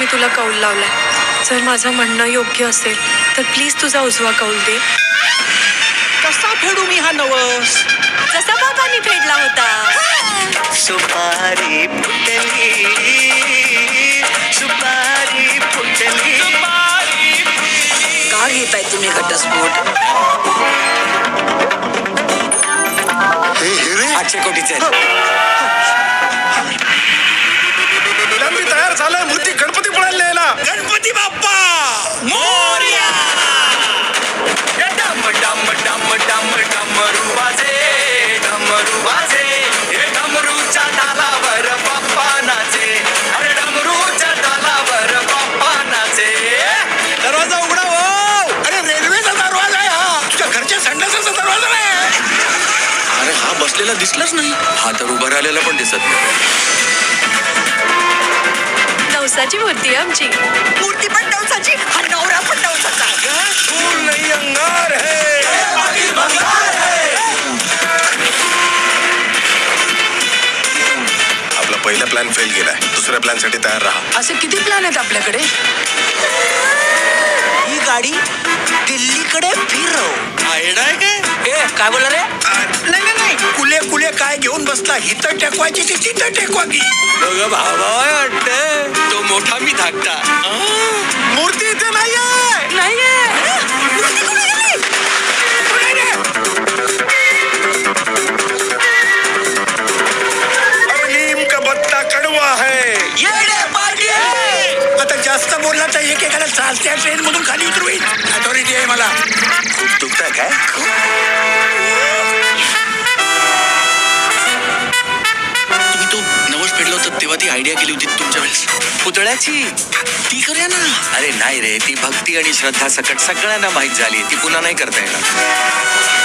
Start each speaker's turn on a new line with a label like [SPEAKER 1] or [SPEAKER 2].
[SPEAKER 1] मी तुला कौल लावलाय. जर माझं म्हणणं योग्य असेल तर प्लीज तुझा उजवा कौल दे.
[SPEAKER 2] कसा फेडू मी हा नवस?
[SPEAKER 1] जसा बाबांनी फेडला होता.
[SPEAKER 2] सुपारी फुटली, सुपारी फुटली.
[SPEAKER 3] का घेताय तुम्ही घटस्फोट? 800 कोटीचे
[SPEAKER 4] मी तयार झालाय. मूर्ती गणपती पळायला यायला.
[SPEAKER 2] गणपती बाप्पा मोरया. डम डम डम डम डमरू वाजे, डमरू वाजे. हे डमरूच्या तालावर बाप्पा नाचे. अरे डमरूच्या तालावर बाप्पा नाचे. दरवाजा उघडा हो. अरे रेल्वेचा दरवाजा आहे हा. तुझ्या घरच्या संडासाचा दरवाजा नाही. अरे हा बसलेला दिसलाच नाही. हा तर उभा राहिलेला पण दिसत नाही.
[SPEAKER 1] नवसाची मूर्ती आहे आमची.
[SPEAKER 3] मूर्ती पण नवसाची, हा नवरा पण नवसाचा.
[SPEAKER 4] फूल नहीं अंगार है. आपला पहिला प्लॅन फेल गेलाय. दुसऱ्या प्लॅन साठी तयार राहा.
[SPEAKER 3] असे किती प्लॅन आहेत आपल्याकडे?
[SPEAKER 2] ही गाडी दिल्लीकडे फिरव. आयडा आहे काय?
[SPEAKER 3] ए काय बोला रे?
[SPEAKER 2] नाही नाही नाही. कुले कुले काय घेऊन बसला. हिथं टेकवायची ती तिथं टेकवा की. दोघं भावा वाटत. तो मोठा मी धाकटा. मूर्ती इथे नाहीये.
[SPEAKER 3] नाहीये. मूर्ती कुठे गेली?
[SPEAKER 4] अरे नीम का पत्ता कड़वा है.
[SPEAKER 2] येडे पार्टी. आता जास्त बोलला तर एकेकाला चालत्या ट्रेन मधून खाली उतरवीन. अथॉरिटी आहे मला.
[SPEAKER 4] खूप दुखताय काय?
[SPEAKER 2] तुम्ही तो नवस फेडलं होतं तेव्हा ती आयडिया केली होती तुमच्या वेळेस. पुतळ्याची ती करूया ना. अरे नाही रे, ती भक्ती आणि श्रद्धा सकट सगळ्यांना माहीत झाली. ती पुन्हा नाही करता येणार.